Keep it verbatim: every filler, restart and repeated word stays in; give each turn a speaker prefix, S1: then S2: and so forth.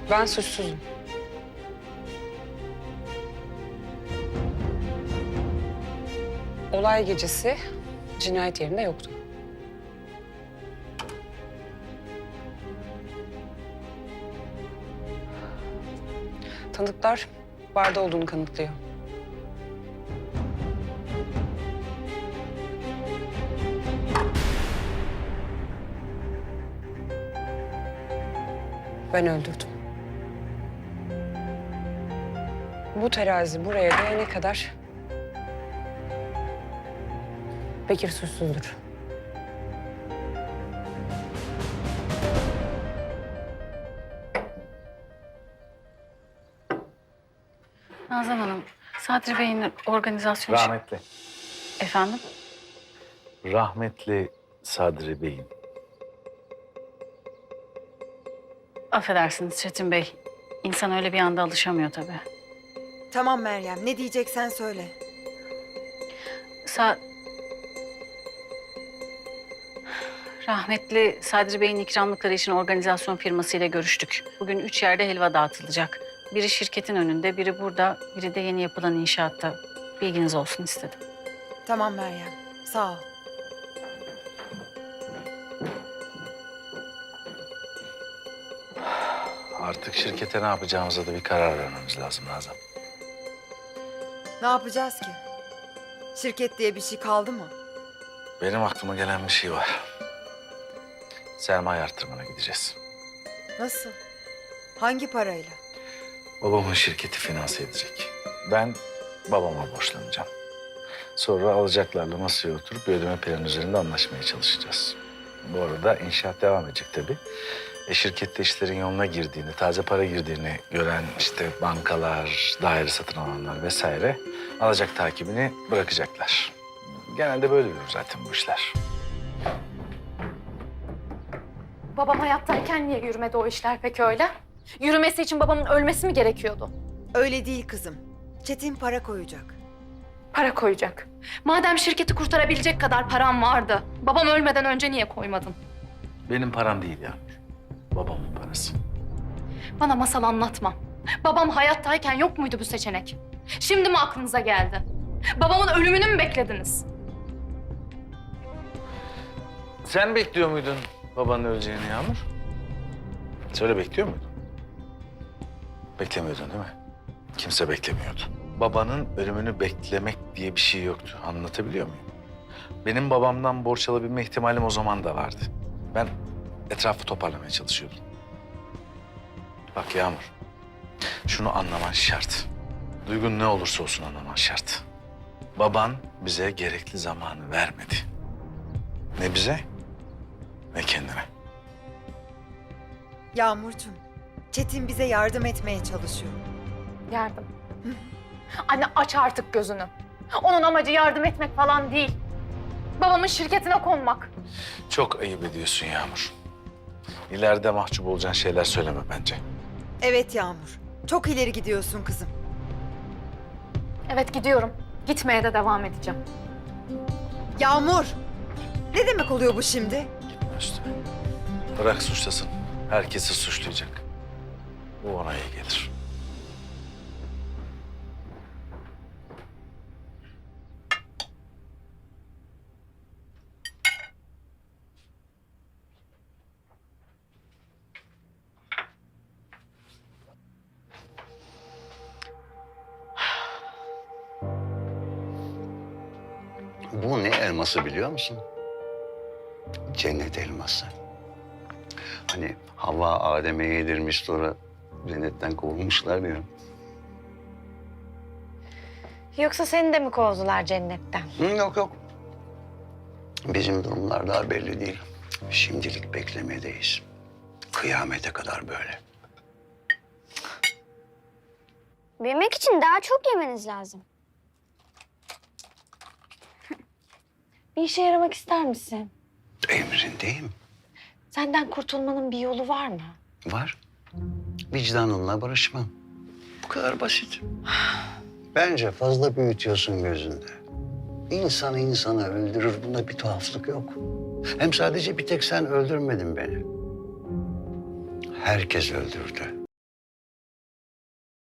S1: Ben suçsuzum. Olay gecesi cinayet yerinde yoktu. Tanıklar barda olduğunu kanıtlıyor. Ben öldürdüm. Bu terazi buraya değene kadar Bekir suçsuzdur.
S2: Nazan Hanım, Sadri Bey'in organizasyon...
S3: Rahmetli.
S2: Efendim?
S3: Rahmetli Sadri Bey'in.
S2: Affedersiniz Çetin Bey. İnsan öyle bir anda alışamıyor tabii.
S4: Tamam Meryem, ne diyeceksen söyle.
S2: Sa... Rahmetli Sadri Bey'in ikramlıkları için organizasyon firmasıyla görüştük. Bugün üç yerde helva dağıtılacak. Biri şirketin önünde, biri burada, biri de yeni yapılan inşaatta. Bilginiz olsun istedim.
S4: Tamam Meryem, sağ ol.
S3: Artık şirkete ne yapacağımıza da bir karar vermemiz lazım Nazan.
S4: Ne yapacağız ki? Şirket diye bir şey kaldı mı?
S3: Benim aklıma gelen bir şey var. Sermaye arttırmana gideceğiz.
S4: Nasıl? Hangi parayla?
S3: Babamın şirketi finanse edecek. Ben babama borçlanacağım. Sonra alacaklarla masaya oturup bir ödeme planı üzerinde anlaşmaya çalışacağız. Bu arada inşaat devam edecek tabii. E, şirkette işlerin yoluna girdiğini, taze para girdiğini gören işte bankalar, daire satın alanlar vesaire alacak takibini bırakacaklar. Genelde böyle yürür zaten bu işler.
S5: Babam hayattayken niye yürümedi o işler peki öyle? Yürümesi için babamın ölmesi mi gerekiyordu?
S4: Öyle değil kızım. Çetin para koyacak.
S5: Para koyacak. Madem şirketi kurtarabilecek kadar param vardı, babam ölmeden önce niye koymadın?
S3: Benim param değil ya. Babamın parası.
S5: Bana masal anlatma. Babam hayattayken yok muydu bu seçenek? Şimdi mi aklınıza geldi? Babamın ölümünü mü beklediniz?
S3: Sen bekliyor muydun babanın öleceğini Yağmur? Söyle, bekliyor muydun? Beklemiyordun değil mi? Kimse beklemiyordu. Babanın ölümünü beklemek diye bir şey yoktu. Anlatabiliyor muyum? Benim babamdan borç alabilme ihtimalim o zaman da vardı. Ben etrafı toparlamaya çalışıyordum. Bak Yağmur, şunu anlaman şart. Duygun ne olursa olsun anlaman şart. Baban bize gerekli zamanı vermedi. Ne bize, ne kendine.
S4: Yağmurcuğum, Çetin bize yardım etmeye çalışıyor.
S5: Yardım. Anne aç artık gözünü. Onun amacı yardım etmek falan değil. Babamın şirketine konmak.
S3: Çok ayıp ediyorsun Yağmur. İleride mahcup olacağın şeyler söyleme bence.
S4: Evet Yağmur, çok ileri gidiyorsun kızım.
S5: Evet gidiyorum. Gitmeye de devam edeceğim.
S4: Yağmur! Ne demek oluyor bu şimdi?
S3: Gitme üstüne. Bırak suçlasın. Herkesi suçlayacak. Bu ona iyi gelir.
S6: Bu ne elması biliyor musun? Cennet elması. Hani Havva Adem'e yedirmiş sonra cennetten kovulmuşlar ya.
S7: Yoksa seni de mi kovdular cennetten?
S6: Hı, yok yok. Bizim durumlar daha belli değil. Şimdilik beklemedeyiz. Kıyamete kadar böyle.
S7: Büyümek için daha çok yemeniz lazım. Bir işe yaramak ister misin?
S6: Emrindeyim.
S7: Senden kurtulmanın bir yolu var mı?
S6: Var. Vicdanınla barışman. Bu kadar basit. Bence fazla büyütüyorsun gözünde. İnsanı insana öldürür. Bunda bir tuhaflık yok. Hem sadece bir tek sen öldürmedin beni. Herkes öldürdü.